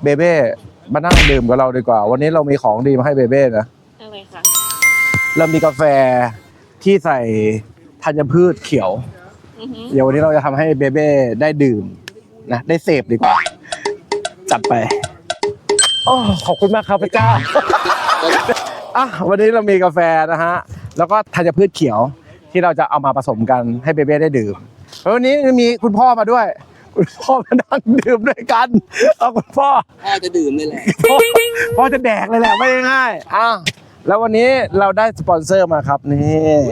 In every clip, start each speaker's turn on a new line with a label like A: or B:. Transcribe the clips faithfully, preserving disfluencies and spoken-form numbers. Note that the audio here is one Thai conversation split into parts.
A: เบเบ้มานั่งดื่มกับเราดีกว่าวันนี้เรามีของดีมาให้เบเบ้นะ
B: อะไรคะ
A: เรามีกาแฟที่ใส่ธัญพืชเขียวเดี๋ยววันนี้เราจะทำให้เบเบ้ได้ดื่มนะได้เสพดีกว่าจัดไปโอ้ขอบคุณมากครับพระเจ้าอ่ะวันนี้เรามีกาแฟนะฮะแล้วก็ธัญพืชเขียวที่เราจะเอามาผสมกันให้เบเบ้ได้ดื่มแล้ววันนี้มีคุณพ่อมาด้วยคุณพ่อมานั่งดื่มด้วยกันเอาคุณพ่อ
C: พ่อจะดื่มเลยแหละ
A: พ่อจะแดกเลยแหละไม่ง่ายอ่ะแล้ววันนี้เราได้สปอนเซอร์มาครับนี่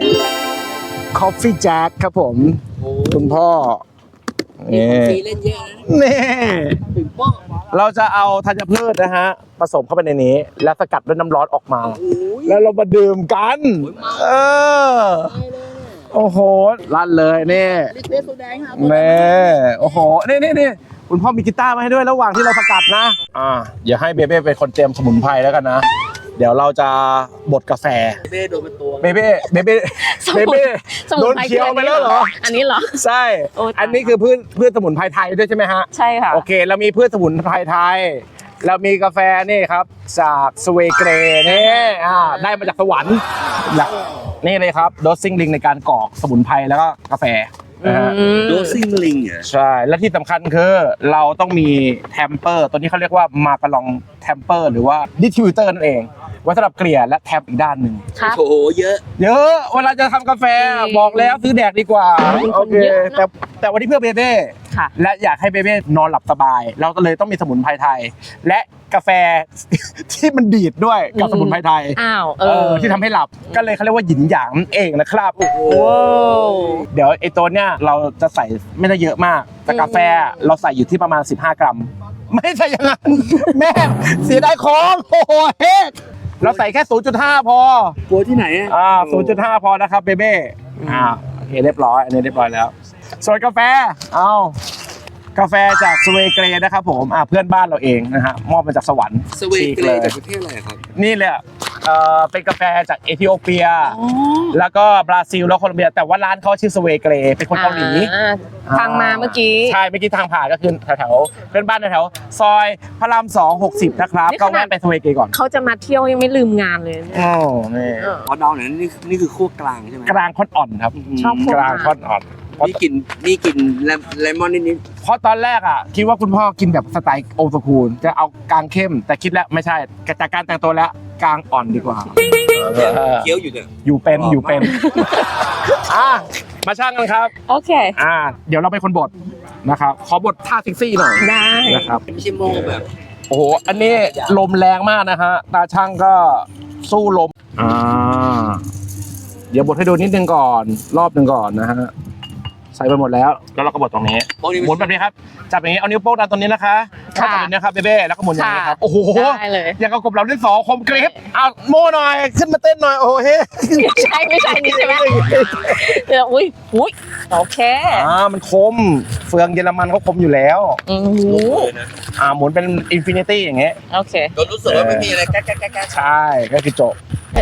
A: Coffee Jack ครับผมคุณพ่อ
C: นี่ฟีเล่นเยอะนะ
A: นี่เราจะเอาธัญพืชนะฮะผสมเข้าไปในนี้แล้วสกัดด้วยน้ำร้อนออกมาแล้วเรามาดื่มกันเออโอ้โหลั่นเลยนี่นี่โอ้โหนี่นี่นี่คุณพ่อมีกีตาร์มาให้ด้วยระหว่างที่เราสกัดนะอ่าอย่าให้เบเบ้เป็นคนเตรียมสมุนไพรแล้วกันนะเดี๋ยวเราจะบดกาแฟ
C: เบเบ้โดนเป็นตัว
A: เบเบ้เบเบ้เบเบ้โดนเคี้ยวไปแล้วเหรอ
B: อันนี้เหรอ
A: ใช่อันนี้คือพืชพืชสมุนไพรไทยด้วยใช่ไหมฮะ
B: ใช่ค่ะ
A: โอเคเรามีพืชสมุนไพรไทยเรามีกาแฟนี่ครับจากสเวเกรนี่อ่าได้มาจากสวรรค์นี่เลยครับโดสซิ่งลิงในการกรอกสมุนไพรแล้วก็กาแฟนะฮะ
C: โดสซิ่งลิงอ่ะ
A: ใช่และที่สำคัญคือเราต้องมีแทมเปอร์ตัวนี้เขาเรียกว่ามาการองแทมเปอร์หรือว่าดิสทิบิวเตอร์นั่นเองไว้สำหรับเกลี่ยและแทมอีกด้านหนึ่ง
C: โอ้โหเยอะ
A: เยอะเวลาจะทำกาแฟบอกแล้วซื้อแดกดีกว่าโอเคแต่แต่วันนี้เพื่อเบเบ้และอยากให้เบเบ้นอนหลับสบายเราก็เลยต้องมีสมุนไพรไทยและกาแฟที่มันดีดด้วยกับสมุนไพรไทย
B: อ้าวเออ
A: ที่ทำให้หลับก็เลยเขาเรียกว่าหยินหยางเองนะครับโอ้โหเดี๋ยวไอ้ตัวเนี้ยเราจะใส่ไม่ได้เยอะมากแต่กาแฟเราใส่อยู่ที่ประมาณสิบห้ากรัมไม่ใช่อย่างนั้นแม่เสียดายของโอ้โหเฮ้เราใส่แค่ ศูนย์จุดห้า พอก
C: ลัวที่ไหนอ่ะ
A: อ่า ศูนย์จุดห้า พอนะครับเบเบ้อ่าโอเคเรียบร้อยอันนี้เรียบร้อยแล้วส่วนกาแฟเอากาแฟจากสเวเกรนะครับผมอ่าเพื่อนบ้านเราเองนะฮะมอบมาจากสวรรค์
C: สเวเกรจากประเทศอะไรครับ
A: นี่เลยเอ่อเป็นกาแฟจากเอธิโอเปียแล้วก็บราซิลแล้วโคลอมเบียแต่ว่าร้านเขาชื่อสเวเกรเป็นคนเกาหลี
B: ทางมาเมื่อกี้
A: ใช่เมื่อกี้ทางผ่านก็คือแถวๆเพื่อนบ้านแถวๆซอยพระรามสองหกสิบนะครับก็แวะไปสเวเกรก่อน
B: เขาจะมาเที่ยวยังไม่ลืมงานเลย
A: อ๋อนี่
C: พอดาวเนี่ยนี่นี่คือขั้วกลางใช่ไหม
A: กลางค่อนอ่อนครับ
B: ชอบ
A: กลางค่อนอ่อน
C: นี่กินนี่กินเลมอนนิด
A: ๆเพราะตอนแรกอ่ะคิดว่าคุณพ่อกินแบบสไตล์โอสคูลจะเอากลางเข้มแต่คิดแล้วไม่ใช่จากการแต่งตัวแล้วกลางอ่อนดีกว่า
C: เคี้ยวอยู่เนี่ย
A: อยู่เป็นอยู่เป็นอ่ะมาช่างกันครับ
B: โอเค
A: อ่าเดี๋ยวเราเป็นคนบดนะครับขอบดท่าเซ็กซี่หน่อย
B: ได้
A: นะครับ
C: ไม่ใช่โม่แบบ
A: โอ้โหอันนี้ลมแรงมากนะฮะตาช่างก็สู้ลมอ่าเดี๋ยวบดให้ดูนิดนึงก่อนรอบนึงก่อนนะฮะใส่ไปหมดแล้วแล้วเราก็บดตรงนี้หมุนแบบนี้ครับจับอย่างนี้เอานิ้วโป้งดันตรงนี้นะคะจับแบบนี้ครับเบเบ้แล้วก็หมุนอย่างนี้ครับโอ้โหอย่างกับกบเราที่สองคมกริบเอาโม่หน่อยขึ้นมาเต้นหน่อยโอ้เฮ้
B: ไม่ใช่ไม่ใช่นี่ใช่ไหมเดี๋ยวอุ้ยอุ้ยโอเค
A: อ่ามันคมเฟืองเยอรมันเขาคมอยู่แล้ว
B: อือ
A: อ่าหมุนเป็นอินฟินิตี้อย่างเงี้ย
B: โอเค
C: ก็รู้สึกว่าไม่มีอะไรแก๊กแก๊กแก๊ก
A: ใช่ก็คือจบ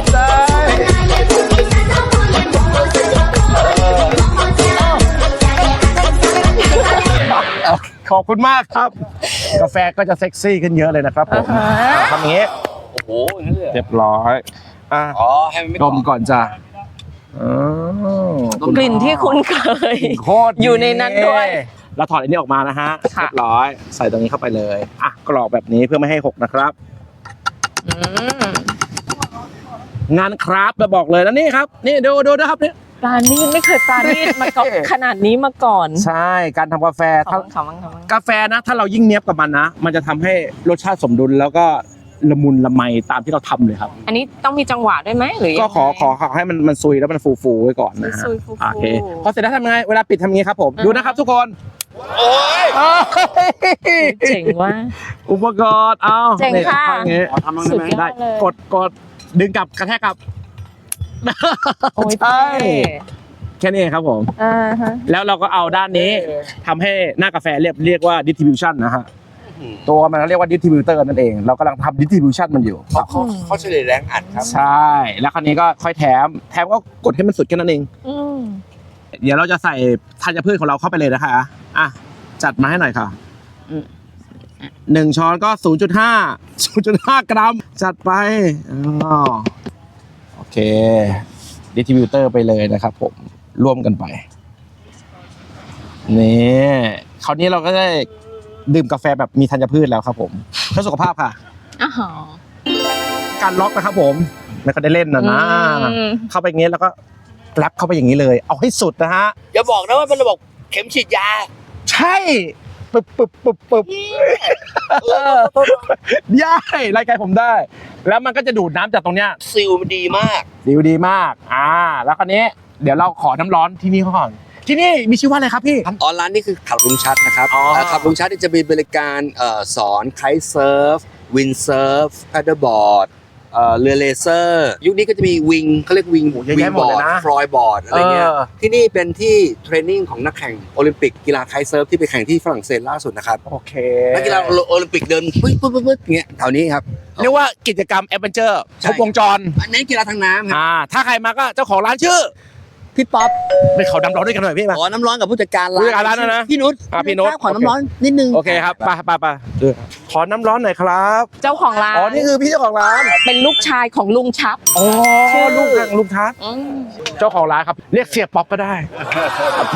A: ขอบคุณมากครับกาแฟก็จะเซ็กซี่ขึ้นเยอะเลยนะครับผมทำอย่างนี้
C: โอ้โหอย่างนี้เลย
A: เรียบร้อยอ่ะ
C: อ๋อให้มันไม่
A: ดมก่อนจ้ะ
B: กลิ่นที่คุ้นเคย
A: โคตร
B: อยู่ในนั้นด้วย
A: เราถอดอันนี้ออกมานะฮะเรียบร้อยใส่ตรงนี้เข้าไปเลยอ่ะกรอกแบบนี้เพื่อไม่ให้หกนะครับงานคราฟต์มาบอกเลยแล้วนี่ครับนี่ดูดูนะครับเนี่ย
B: ปลานี่ไม่เคยปลานี่มาก่อนขนาดนี้มาก่อน
A: ใช่การทำกาแฟกาแฟนะถ้าเรายิ่งเนี้ยบกับมันนะมันจะทำให้รสชาติสมดุลแล้วก็ละมุนละไมตามที่เราทำเลยครับ
B: อันนี้ต้องมีจังหวะด้วยไหมหรือ
A: ก็ขอขอขอให้มันมันซุยแล้วมันฟูฟูไว้ก่อนนะฮะโอเคพอเสร็จแล้วทำยังไงเวลาปิดทำยังไงครับผมดูนะครับทุกคน
C: โอ้ย
B: เจ๋งว่ะ
A: อุปกรณ์เอา
B: เจ๋งค่ะ
A: ทำยังไงได้กดกดดึงกลับกระแทกกลับใช่แค่นี้ครับผมแล้วเราก็เอาด้านนี้ทำให้หน้ากาแฟเรียกเรียกว่า distribution นะฮะตัวมันเรียกว่า distributor นั่นเองเรากำลังทำ distribution มันอยู่
C: เขาเขาเฉลี่ยแรงอัดครับ
A: ใช่แล้วคราวนี้ก็ค่อยแถมแถมก็กดให้มันสุดแค่นั้นเองเดี๋ยวเราจะใส่ธัญพืชของเราเข้าไปเลยนะคะอ่ะจัดมาให้หน่อยค่ะหนึ่งช้อนก็ ศูนย์จุดห้า ศูนย์จุดห้า กรัม จัดไปอ๋อโอเคดิสทริบิวเตอร์ไปเลยนะครับผมร่วมกันไปนี่คราวนี้เราก็ได้ดื่มกาแฟแบบมีธัญพืชแล้วครับผมเพื่อสุขภาพค่ะ
B: อ๋อ
A: การล็อกนะครับผมไม่ก็ได้เล่นนะนะ
B: อืม
A: เข้าไปอย่างงี้แล้วก็แรปเข้าไปอย่างนี้เลย เอาให้สุดนะฮะ
C: อย่าบอกนะว่าเป็นระบบเข็มฉีดยา
A: ใช่ปึ๊บปึ๊บปึ๊บปึ๊บย่ายรายการผมได้ แล้วมันก็จะดูดน้ำจากตรงเนี้ย
C: ซิลมันดีมาก
A: ดีดีมากอ่าแล้วคราวนี้เดี๋ยวเราขอน้ำร้อนที่นี่เขาก่อนที่นี่มีชื่อว่าอะไรครับพี่
C: ออนไลน์นี่คือขับลุงชัดนะครับ
A: อ๋อ
C: เอ่อขับลุงชัดนี่จะมีบริการเอ่อสอนไคท์เซิร์ฟวินเซิร์ฟแพดเดิลบอร์ดเอ่อเรือเลเซอร์ยุคนี้ก็จะมีวิงเขาเรียกวิง
A: โอ้เยอะ
C: วิ
A: แยะ
C: ง
A: หม
C: บ
A: ด
C: อ
A: เลย
C: ร์ด
A: นะ
C: ฟลอยบอร์ดอะไรเงี้ย
A: เออ
C: ที่นี่เป็นที่เทรนนิ่งของนักแข่งโอลิมปิกกีฬาไคท์เซิร์ฟที่ไปแข่งที่ฝรั่งเศสล่าสุดนะครับ
A: โอเค
C: นักกีฬาโอลิมปิกเดินปึ๊บปึ๊บปึ๊บปึ๊บอย่างเงี้ยแถวนี้ครับ
A: เรียกว่ากิจกรรมแอดเวนเจอร์ค
C: ใช่
A: รบวงจร
C: อันนี้กีฬาทางน้ำครับ
A: อ่าถ้าใครมาก็เจ้าของร้านชื่อ
C: พี่ป๊อป
A: ไปเขาดำร้อนด้วยกันหน่อยพี่มา
C: ขอน้ำร้อนกับผู้จัดการร้าน
A: ผู้จัดการร้านนะนะ
C: พี่นุช
A: อ่ะพี่นุช
C: ขอน้ำร้อนนิดนึง
A: โอเคครับไปไปไปขอน้ำร้อนหน่อยครับ
B: เจ้าของร้าน
A: อ๋อนี่คือพี่เจ้าของร้าน
B: เป็นลูกชายของลุงชับ
A: อ๋อ
B: ชื่อ
A: ลูกทางลูกทัศน์
B: อืม
A: เจ้าของร้านครับ เรียกเสียป๊อปก็ได้ ไป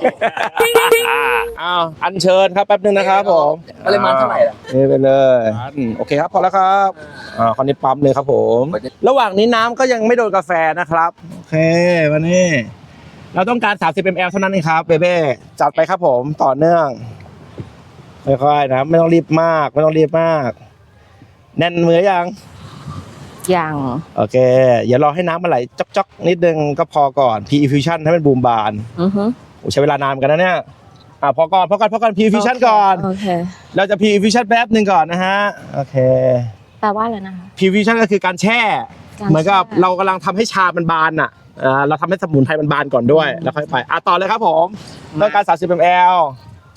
A: อ้าวอัญเชิญครับแป๊บนึงนะครับผม
C: ปริมาณเท่าไหร่ล่ะ
A: นี่ไปเลยอืมโอเคครับพอแล้วครับอ่าคราวนี้ปั๊มเลยครับผม ระหว่างนี้น้ำก็ยังไม่โดนกาแฟนะครับโอเควันนี้เราต้องการ สามสิบมิลลิลิตร เท่านั้นเองครับเบเบ้จัดไปครับผมต่อเนื่องค่อยๆนะไม่ต้องรีบมากไม่ต้องรีบมาก แน่นมือยัง
B: อย่าง
A: โอเคอย่ารอให้น้ำมันไหลจ๊อกๆนิดนึงก็พอก่อน P-Infusion ให้มันบูมบาน
B: อือฮึ
A: โอ้ใช้เวลานานเหมือนกันนะเนี่ยอ่าพอก่อนพอก่อนพอก่อน P-Infusion ก่อน
B: โอเค
A: เราจะ P-Infusion แป๊บหนึ่งก่อนนะฮะโอเค
B: แปลว่าอะไรนะคะ
A: P-Infusion ก็คือการแช่
B: การ
A: เหมือนกับ
B: แช่
A: เรากำลังทำให้ชามันบานอ่ะอ่าเราทำให้สมุนไพรมันบานก่อนด้วยแล้วค่อยไปอ่ะต่อเลยครับผมต้องการ สามสิบมิลลิลิตร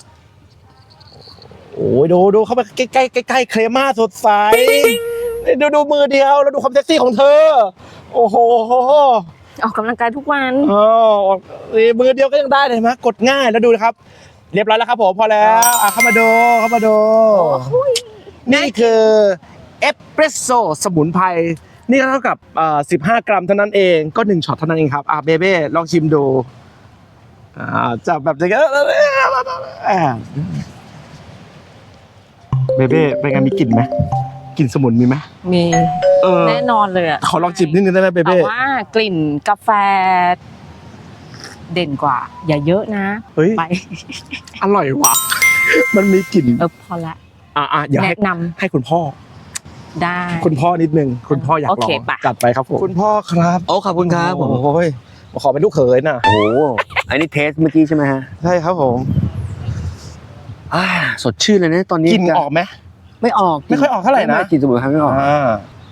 A: โอ้ยดูดูเข้าไปใกล้ใกล้ใกล้ใกล้เครม่าสดใสดูดูมือเดียวแล้วดูความเซ็กซี่ของเธอ โอ้โห
B: ออกกำลังกายทุกวัน
A: อ๋อนี่มือเดียวก็ยังได้เลยเห็นไหมกดง่ายแล้วดูนะครับ เรียบร้อยแล้วครับผมพอแล้วอ่ะเข้ามาดูเข้ามาดูนี่คือเอสเปรสโซ่สมุนไพรนี่ก็เท่ากับเอ่อสิบห้ากรัมเท่านั้นเองก็หนึ่งช็อตเท่านั้นเองครับอ่ะเบเบ้ลองชิมดูอ่าจับแบบนี้อ่าเบเบ้เป็นไงมีกลิ่นไหมกลิ่นสมุนมีไหม
B: มี
A: เออ
B: แน่นอนเลยอะ
A: ขอลองจิบนิดนึงได้ไหมเบ
B: แต่
A: เบ้
B: ว่ากลิ่นกาแฟ เด่นกว่า อย่าเยอะนะ
A: เฮ้ย
B: ไป
A: อร่อยว่ะ มันมีกลิ่น
B: เออพอละ
A: อ่ะอ่ะอย่าให้
B: แนะน
A: ให้คุณพ่อ
B: ำได้
A: คุณพ่อนิดนึง คุณพ่ออยากล
B: โอ
A: อง
B: เคปะ
A: จัดไปครับผม คุณพ่อครับ
C: โอ้ขอบคุณครับผม
A: โอ้ยขอเป็นลูกเขยน่ะ
C: โอ้โหอันนี้เทสเมื่อกี้ใช่ไหมฮะ
A: ใช่ครับผม
C: อ่าสดชื่นเลยนะตอนนี้
A: กลิ่นออกไหม
C: ไม่ออก
A: ไม่ค่อยออกเท่าไหร่นะ
C: ม่กลิ่นสมุนไพรไม่ออก
A: อ่า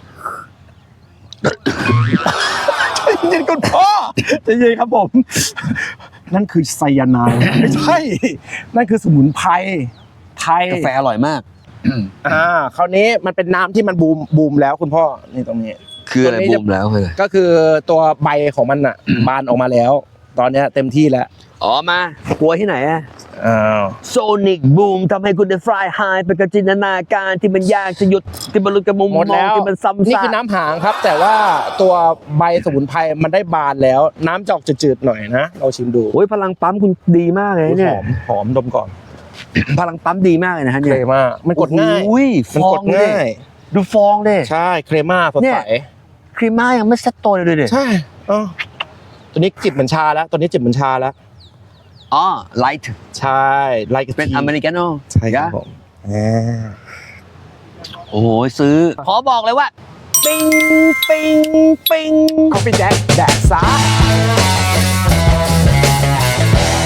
A: ใจเย็นคุณพ่อใจเย็นครับผม นั่นคือไซยาไนด์ไม่ใช่ นั่นคือสมุนไพรไทย
C: กาแฟอร่อยมาก
A: อ่าคราวนี้มันเป็นน้ำที่มันบูมบูมแล้วคุณพ่อนี่ตรงนี้
C: คืออะไร
A: ตัวนี้
C: บู
A: จะ
C: มแล้วคือ
A: ก็คือตัวใบของมันอ่ะ บานออกมาแล้ว ตอนเนี้ยเต็มที่แล้ว
C: อ๋อมากลัวที่ไหนอะ
A: อ้าว
C: โซนิกบูมทำให้คุณได้ฟลายไฮไปกับจินตนาการที่มันยากจะหยุดที่มันหลุดกับมุม
A: หมด
C: มอง
A: แล้ว
C: ที่มันซ้ำ
A: นี่
C: ซาก
A: คือน้ำหางครับ แต่ว่าตัวใบสมุนไพรมันได้บานแล้ว น้ำจะออกจืดๆหน่อยนะเราชิมดู
C: โอ้ยพลังปั๊มคุณดีมากเลย
A: ห
C: เนี่ย
A: อมหอมดมก่อน
C: พลังปั๊มดีมากเลยนะฮะ
A: เค
C: เนี่
A: ร
C: ย
A: ม่ามันกดง่าย
C: โอ้ย
A: มัน
C: ฟ
A: ก
C: อ
A: ด
C: งเล
A: ง่าย
C: ยดูฟองเลย
A: ใช่เครม่าสด
C: เนี่
A: ใส
C: ย ครีมม่ายังไม่เซ็ตตัวเลยเลย
A: ใช่อ๋อตัวนี้จิบเหมือนชาแล้วตัวนี้จิบเหมือนชาแล้ว
C: อ๋อไลท์
A: ใช่ไลค์
C: เป็นอเมริกาโน่
A: ใช่ครับผมอ่า
C: โอ้โหซื้อ ขอบอกเลยว่า
A: ปิ้งปิ้งปิ้งคอฟฟี่แจ็คแดกซ่า